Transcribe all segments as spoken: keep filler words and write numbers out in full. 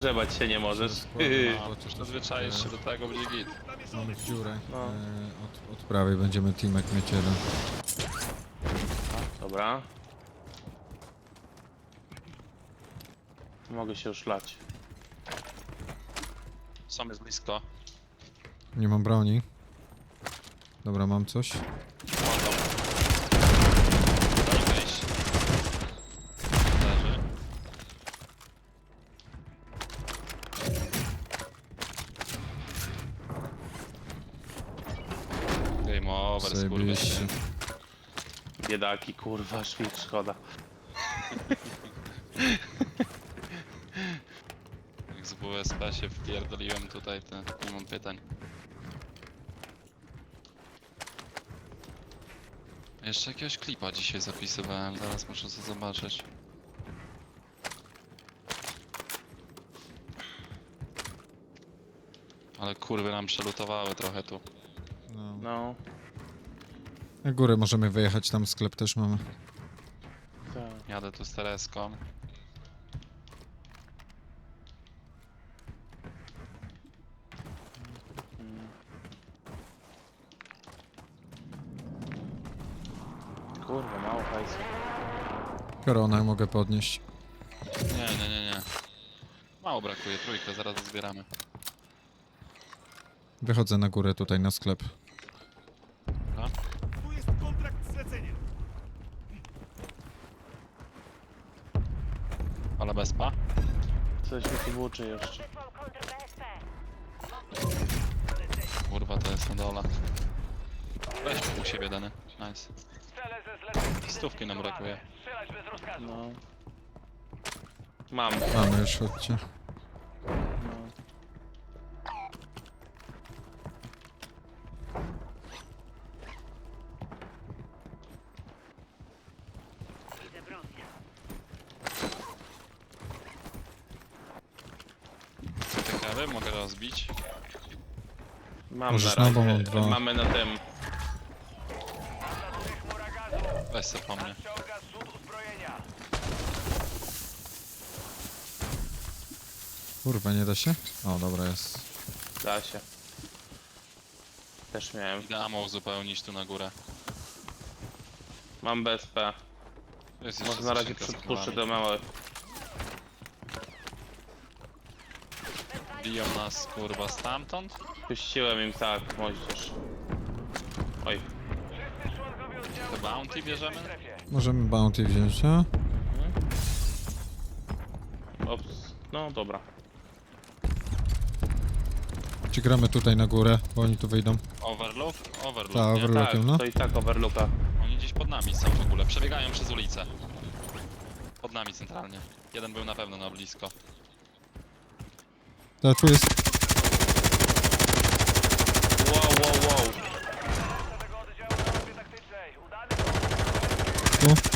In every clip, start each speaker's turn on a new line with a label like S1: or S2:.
S1: Grzebać się nie możesz.
S2: No, przyzwyczaisz się do tego, będzie git.
S3: Mamy dziurę.
S1: No.
S3: E, od, od prawej będziemy teamek mieć jeden.
S1: Dobra. Mogę się już lać.
S2: Sam jest blisko.
S3: Nie mam broni. Dobra, mam coś.
S2: Chodzą. Daj wejść. Leży. Game over,
S3: Zajebiście.
S2: skurwysyn.
S1: Biedaki, kurwa, szwid, szkoda.
S2: Jak z W S P się wpierdoliłem tutaj, to nie mam pytań. Jeszcze jakiegoś klipa dzisiaj zapisywałem, zaraz muszę to zobaczyć. Ale kurwy nam przelutowały trochę tu.
S3: No.
S1: No,
S3: Na górę możemy wyjechać, tam sklep też mamy.
S1: tak.
S2: Jadę tu z Tereską.
S1: Mm. Kurwa, mało hajsu.
S3: Koronę mogę podnieść.
S2: Nie, nie, nie, nie. Mało brakuje, trójkę, zaraz zbieramy.
S3: Wychodzę na górę tutaj na sklep.
S2: Dobra.
S4: Tu jest kontrakt zlecenia.
S2: Ale bezpa.
S1: Coś mi tu włóczy jeszcze.
S2: Kurwa, to jest na dole. Weź u siebie dany. Nice.
S4: Cele ze zleceń
S2: Stówki nam brakuje.
S4: strzelać bez rozkazu.
S1: No. Mam.
S3: Mamy już, chodźcie.
S1: No.
S2: Ciekawe, mogę rozbić.
S1: Mam
S3: Możesz
S1: na
S3: na, bo
S1: razie.
S3: mam dwa.
S1: Mamy na tym.
S4: Chmura gazu.
S2: Weź se po mnie.
S4: Ściąga zrzut uzbrojenia.
S3: Kurwa, nie da się? O, dobra, jest.
S1: Da się. Też miałem.
S2: Idę ammo uzupełnić tu na górę.
S1: Mam B S P.
S2: Tu jest jeszcze
S1: Może na razie
S2: skrzynka z
S1: przypuszczę
S2: kulami.
S1: do małe.
S2: Biją nas kurwa stamtąd.
S1: Puściłem im tak, moździerz. Oj.
S4: Wszyscy członkowie oddziału
S2: To bounty bierzemy?
S4: w strefie.
S3: Możemy bounty wziąć, a?
S1: Ops. No dobra.
S3: Czy gramy tutaj na górę, bo oni tu wyjdą?
S2: Overlook? Overlook,
S3: Ta,
S2: nie?
S3: overlook.
S1: Tak,
S3: Overlookiem, no.
S1: to i tak overlooka.
S2: Oni gdzieś pod nami są w ogóle. Przebiegają przez ulicę. Pod nami centralnie. Jeden był na pewno na blisko.
S3: Ta, tu jest.
S1: Wow, wow, wow.
S4: Reszta tego oddziału na mapie taktycznej. Udany
S3: Tu.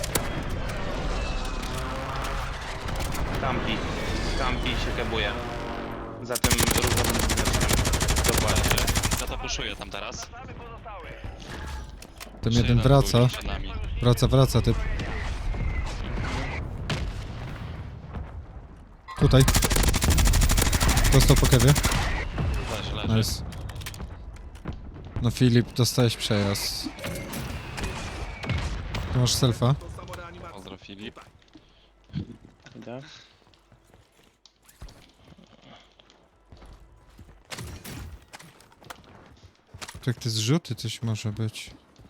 S1: Kampi. Kampi się kebuje. Za tym różowym znaczkiem. Dokładnie.
S2: Ja to puszuję tam teraz.
S4: samy pozostały.
S3: Ten
S2: Jeszcze
S3: jeden
S2: był
S3: wraca.
S2: gdzieś przed nami.
S3: Wraca, wraca, typ. Tutaj. Dostał po kewie.
S2: Leży, leży.
S3: Nice. No Filip, dostałeś przejazd. Tu masz selfa.
S2: Pozdro Filip.
S1: Idę.
S3: Tak, te zrzuty coś może być.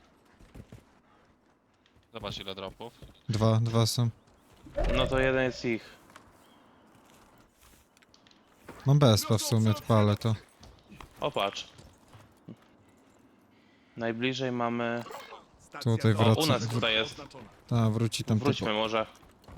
S2: Zobacz ile dropów.
S3: Dwa, dwa są.
S1: No to jeden jest ich.
S3: Mam B S P w sumie, odpalę to.
S1: O, patrz. Najbliżej mamy...
S3: Tutaj
S1: O,
S3: wraca.
S1: u nas tutaj jest.
S3: Ta, wróci tam typu.
S1: Wróćmy może.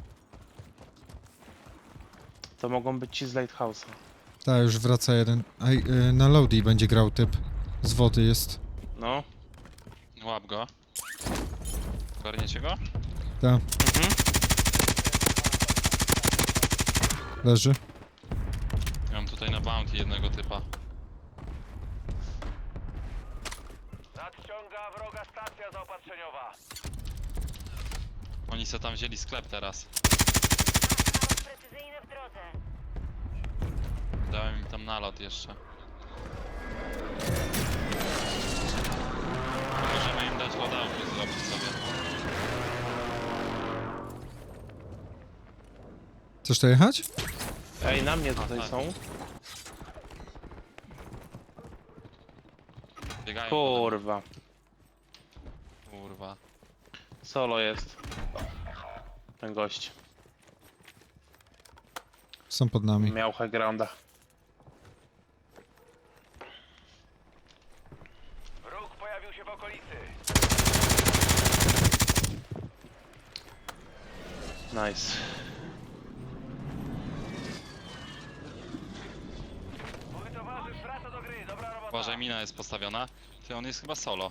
S1: To mogą być ci z Lighthouse'a.
S3: Ta, już wraca jeden. A y, na Lodi będzie grał typ. Z wody jest.
S1: No.
S2: Łap go. Ogarniecie go?
S3: Ta,
S1: Mhm.
S3: leży.
S2: Ja mam tutaj na bounty jednego typa.
S4: Nadciąga wroga stacja zaopatrzeniowa.
S2: Oni se tam wzięli sklep teraz.
S5: Precyzyjne w drodze.
S2: nalot jeszcze. Możemy im dać loadouty zrobić sobie.
S3: Chcesz to jechać?
S1: Ej, na mnie tutaj
S2: tak.
S1: są.
S2: Biegają.
S1: Kurwa.
S2: Kurwa.
S1: Solo jest. Ten gość.
S3: Są pod nami.
S1: Miał high grounda.
S4: Wróg pojawił się w okolicy.
S1: Nice.
S4: Mój towarzysz wraca do gry. Dobra robota.
S2: Uważaj, mina jest postawiona. Ty, on jest chyba solo.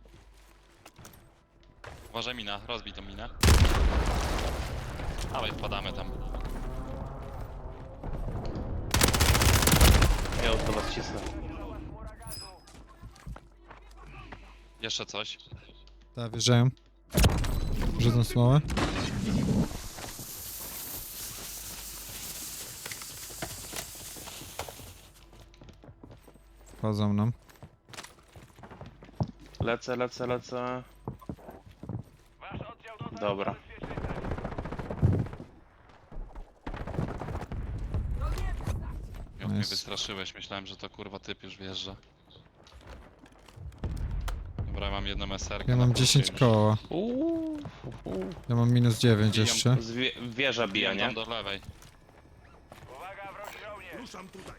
S2: Uważaj, mina, rozbij tą minę. Dawaj, wpadamy tam.
S1: Ja już do was cisnę.
S2: Jeszcze coś.
S3: Tak, wjeżdżają. Rzucą smołę. Wchodzą nam.
S1: Lecę, lecę, lecę.
S4: Wasz oddział dotarł
S1: Dobra.
S4: do bezpiecznej strefy.
S2: Jak mnie
S3: Nice.
S2: wystraszyłeś, myślałem, że to kurwa typ już wjeżdża. Dobra, mam jedną eserkę.
S3: Ja
S2: na
S3: mam
S2: punkcie
S3: dziesięć
S2: już.
S3: koła.
S1: Uuu, uuu.
S3: Ja mam minus dziewięć
S2: Bijam
S3: jeszcze.
S1: Z wie, wieża bija,
S2: Bijam
S1: nie?
S2: tam do lewej.
S4: Uwaga, wrogi żołnierz. Ruszam tutaj.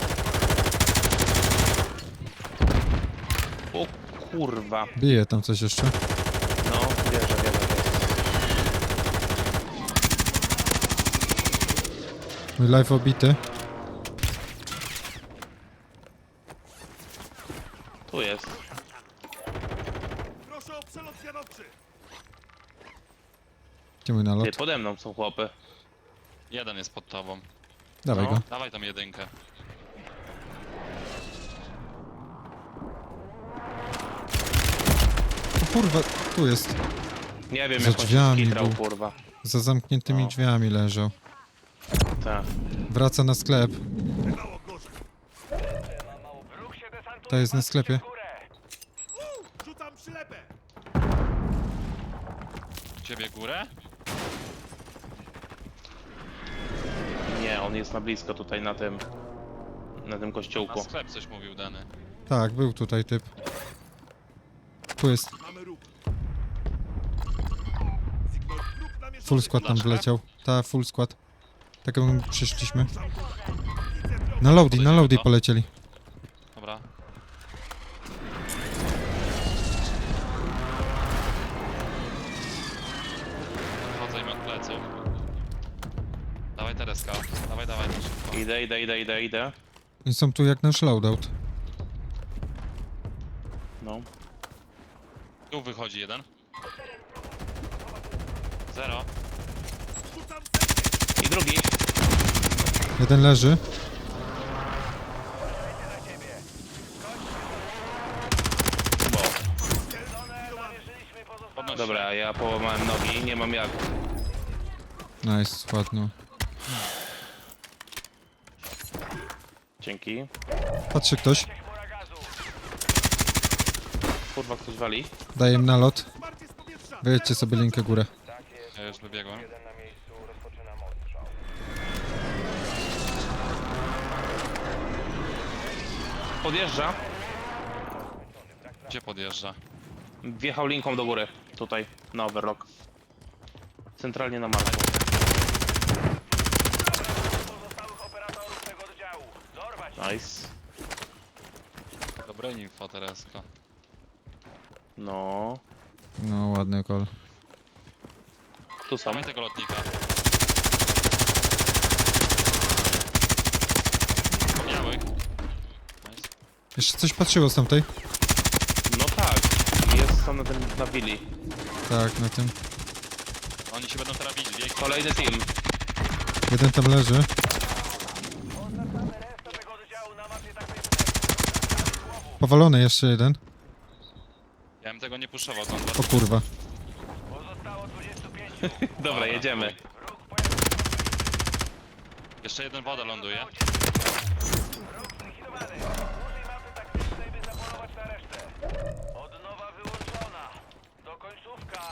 S1: O kurwa.
S3: Bije tam coś jeszcze.
S1: No, wieża, wieża, wieża.
S3: Mój live obity.
S1: Tu jest.
S4: Proszę o przelot zwiadowczy.
S3: Gdzie mój nalot?
S1: Ty, pode mną są chłopy.
S2: Jeden jest pod tobą.
S3: Dawaj
S1: No.
S3: go.
S2: Dawaj tam jedynkę.
S3: O kurwa, tu jest.
S1: Nie wiem,
S3: Za
S1: jak on się
S3: drzwiami
S1: skitrał,
S3: był.
S1: kurwa.
S3: Za zamkniętymi
S1: No.
S3: drzwiami leżał.
S1: Tak.
S3: Wraca na sklep.
S4: Wróg się desantuje.
S3: To jest na sklepie.
S4: w górę.
S5: Rzucam przylepę!
S2: Ciebie górę?
S1: Nie, on jest na blisko tutaj na tym. Na tym
S2: Na
S1: kościółku.
S2: sklep coś mówił Dany.
S3: Tak, był tutaj typ. Tu jest.
S5: Mamy ruch. Signal wróg namierzony.
S3: Full skład tam
S2: Flaszka?
S3: wleciał. Ta, full skład. Tak jak my przyszliśmy.
S5: Ruszam tu. Widzę wroga.
S3: Na loady, na
S2: Podejdziemy
S3: loady
S2: to.
S3: polecieli.
S2: Dobra. Wchodzę im od pleców. Dawaj Tereska. Dawaj, dawaj, to szybko.
S1: Idę, idę, idę, idę, idę.
S3: Oni są tu jak nasz loadout.
S1: No.
S2: Tu wychodzi jeden. Zero.
S5: Rzucam
S1: I drugi.
S3: Jeden leży.
S1: Bo.
S4: Namierzyliśmy pozostałe.
S2: Podnosi.
S1: Dobra, ja połamałem nogi, nie mam jak.
S3: Nice, ładno.
S1: Dzięki.
S3: Patrzy ktoś.
S4: Chmura gazu.
S1: Kurwa, ktoś wali.
S3: Daję im nalot.
S5: wsparcie z powietrza.
S3: Wyjedźcie sobie linkę górę.
S2: Ja już wybiegłem.
S4: Jeden na miejscu, rozpoczynam odstrzał.
S1: Podjeżdża.
S2: Gdzie podjeżdża?
S1: Wjechał linką do góry. Tutaj, na overlock. Centralnie na marku.
S4: Pozostałych operatorów tego oddziału. Dorwać.
S1: Nice.
S2: Dobre info, Tereska.
S1: No.
S3: No, ładny kol.
S1: Tu są.
S2: Dawaj tego lotnika. Białych. Nice.
S3: Jeszcze coś patrzyło z tamtej?
S1: No tak. Jest tam na tym, na willi.
S3: Tak, na tym.
S2: Oni się będą teraz widzieć. Bieg.
S1: Kolejny team.
S3: Jeden tam leży.
S4: Oznaczamy resztę tego oddziału na mapie taktycznej.
S3: Powalony jeszcze jeden.
S2: Ja bym tego nie puszował tam.
S3: O kurwa.
S4: Pozostało dwudziestu pięciu.
S1: Dobra, jedziemy.
S4: Wróg pojawił się.
S2: Jeszcze jeden woda ląduje.
S4: Wróg zlokalizowany. Użyj mapy taktycznej, by zapolować na resztę. Odnowa wyłączona. To końcówka.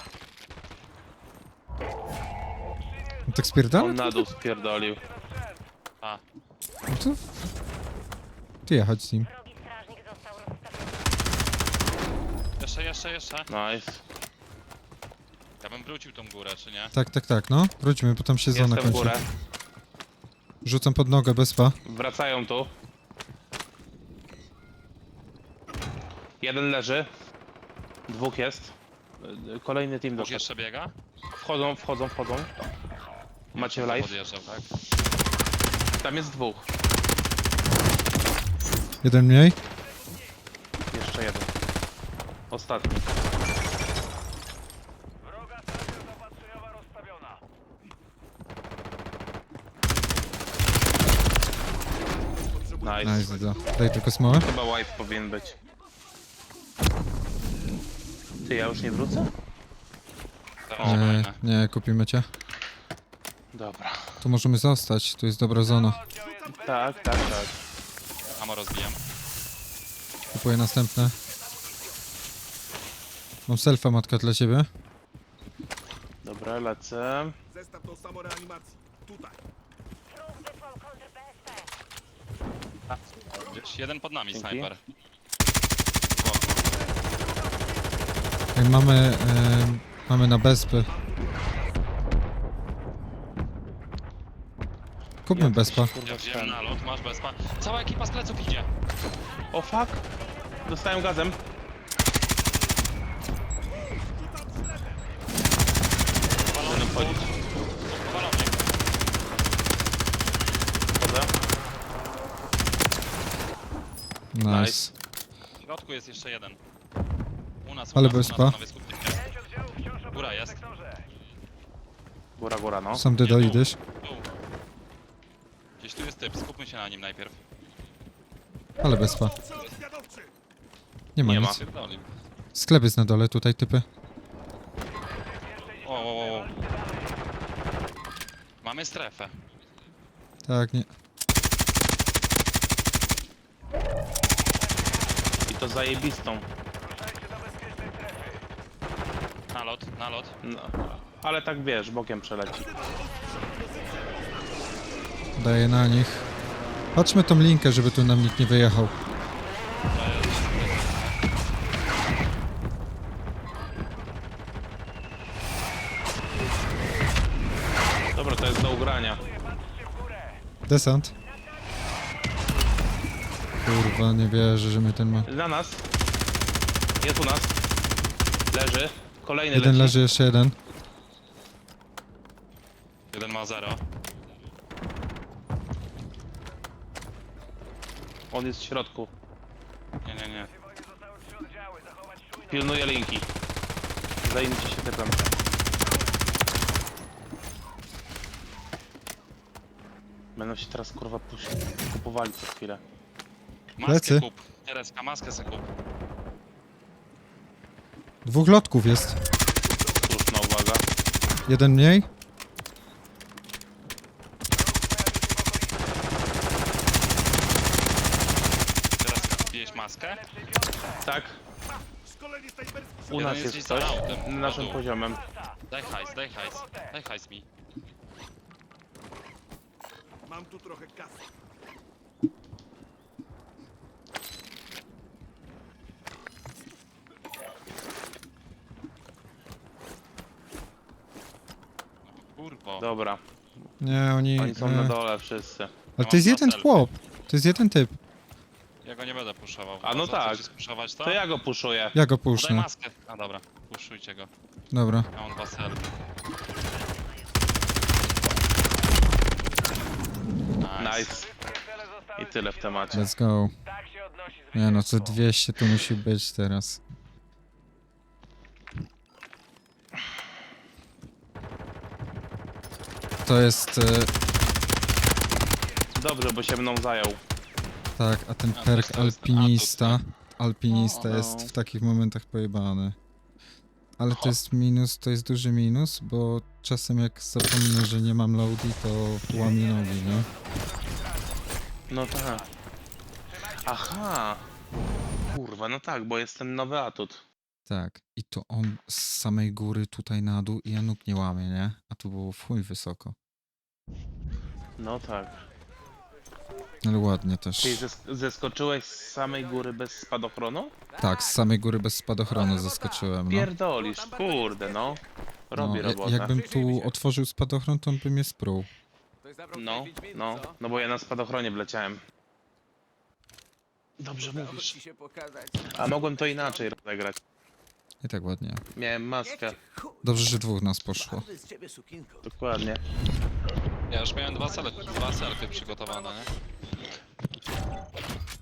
S3: On tak spierdala?
S1: On na dół spierdolił.
S2: A,
S3: No to... Ty jechać z nim.
S6: Wrogi strażnik został rozstawiony.
S2: jeszcze, jeszcze, jeszcze.
S1: Nice.
S2: Ja bym wrócił tą górę, czy nie?
S3: Tak, tak, tak, no. Wróćmy, bo tam się zona
S1: Jestem w
S3: kończy.
S1: górę.
S3: Rzucam pod nogę, bezpa.
S1: Wracają tu. Jeden leży. Dwóch jest. Y, Kolejny team
S2: Dwóch
S1: doszedł.
S2: jeszcze biega?
S1: Wchodzą, wchodzą, wchodzą. Macie live?
S2: Podjeżdżał, tak?
S1: Tam jest dwóch.
S3: Jeden mniej.
S1: Jeszcze jeden. Ostatni.
S4: Wroga strażnia zaopatrzeniowa rozstawiona.
S1: Nice.
S3: Nice, da. Daj tylko smołę.
S1: Chyba wipe powinien być. Ty, ja już nie wrócę?
S2: To
S1: O,
S3: Nie,
S2: fajne.
S3: nie, kupimy cię.
S1: Dobra.
S3: Tu możemy zostać, tu jest dobra zona.
S4: Oddział jest bez
S1: Tak, tak, tak.
S2: Amo rozbijam.
S3: Kupuję następne. Mam selfa, matka, dla ciebie.
S1: Dobra, lecę.
S5: Zestaw do samoreanimacji. Tutaj.
S6: Wróg wysłał kontr B S P.
S2: Gdzieś jeden pod nami,
S1: Dzięki.
S2: snajper.
S3: Jak mamy, em, mamy na bezpy. Kupmy bezpa.
S2: Ja wziąłem nalot, masz bezpa. Cała ekipa z pleców idzie.
S1: O fuck! Dostałem gazem. Będę wchodzić.
S2: Walownik.
S1: Wchodzę.
S3: Nice.
S2: W środku jest jeszcze jeden. U nas, u
S3: Ale
S2: nas,
S3: bezpa.
S2: u nas, panowie, skupcie się.
S4: pięć oddziałów wciąż
S2: Góra
S4: obecnych w
S2: jest.
S4: sektorze.
S1: Góra, góra, no.
S3: Sam ty dojdziesz.
S2: Tu. Gdzieś tu jest typ, skupmy się na nim najpierw.
S3: Ale bezpa.
S5: Przelot zwiadowczy.
S3: Nie ma
S1: Nie
S3: nic.
S1: ma.
S2: Pierdoli.
S3: Sklep jest na dole, tutaj typy.
S2: O, o, o, o. Mamy strefę.
S3: Tak, nie.
S1: I to zajebistą.
S4: Ruszajcie do bezpiecznej strefy.
S2: Nalot, nalot.
S1: No. Ale tak wiesz, bokiem przeleci.
S3: Daję na nich. Patrzmy tą linkę, żeby tu nam nikt nie wyjechał.
S1: Dobra, to jest do ugrania.
S4: Patrzcie w górę.
S3: Desant. Kurwa, nie wierzę, że my ten ma...
S1: Na nas. Jest u nas. Leży. Kolejny
S3: Jeden
S1: leci.
S3: leży, jeszcze jeden.
S2: Jeden ma zero.
S1: On jest w środku.
S2: Nie, nie, nie.
S4: W wojnie zostały trzy oddziały. Zachować czujność.
S1: Pilnuje linki. Zajmijcie się typem. Będą się teraz kurwa puś- kupowali co chwilę.
S2: Maskę
S3: Plecy.
S2: kup. Tereska, maskę se kup.
S3: Dwóch lotków jest.
S1: Słuszna uwaga.
S3: Jeden mniej.
S2: Tereska, kupiłeś maskę?
S1: Tak,
S5: Szkolenie snajperskie.
S1: u
S2: Jeden
S1: nas
S2: jest
S1: jest
S2: gdzieś
S1: coś
S2: za autem.
S1: na naszym
S2: O, tu.
S1: poziomem.
S2: Daj hajs, daj hajs. Daj hajs mi.
S5: Mam tu trochę kasy.
S2: Kurwo.
S1: Dobra,
S3: Nie, oni...
S1: oni są
S3: e,
S1: na dole wszyscy.
S3: Ale to jest
S2: mam
S3: jeden
S2: selfie.
S3: chłop. To jest jeden typ.
S2: Ja go nie będę puszował.
S1: A no
S2: Co,
S1: tak.
S2: chcecie spuszować to?
S1: To ja go puszuję.
S3: Ja go
S2: No daj
S3: puszczę.
S2: maskę. A dobra, puszujcie go.
S3: Dobra.
S2: Ja mam dwa selfie. Nice.
S1: Nice.
S4: Wszystkie cele zostały
S1: I tyle w temacie.
S3: Let's go.
S4: Tak się odnosi
S3: Nie no, co
S4: zwycięstwo.
S3: dwieście tu musi być teraz. To jest... E,
S1: Dobrze, bo się mną zajął.
S3: tak, a ten
S2: A, to
S3: perk
S2: jest- to jest
S3: alpinista...
S2: atut,
S3: Alpinista
S1: O,
S3: jest
S1: o.
S3: w takich momentach pojebany. Ale to jest minus, to jest duży minus, bo czasem jak zapomnę, że nie mam loadi, to łamię nogi, nie?
S1: No tak. Aha! Kurwa, no tak, bo jest ten nowy atut.
S3: Tak. I to on z samej góry tutaj na dół i ja nóg nie łamie, nie? A tu było w chuj wysoko.
S1: No tak.
S3: Ale ładnie też.
S1: Czyli zes- zeskoczyłeś z samej góry bez spadochronu?
S3: Tak, z samej góry bez spadochronu zaskoczyłem, no.
S1: Pierdolisz, kurde no. Robi
S3: no ja-
S1: robotę.
S3: jakbym tu otworzył spadochron, to on by mnie sprół.
S1: No, no, no bo ja na spadochronie wleciałem. Dobrze mówisz. A mogłem to inaczej rozegrać.
S3: I tak ładnie.
S1: Miałem maskę.
S3: Dobrze, że dwóch nas poszło.
S1: Dokładnie.
S2: Ja już miałem dwa, cele, dwa selfie przygotowane, nie?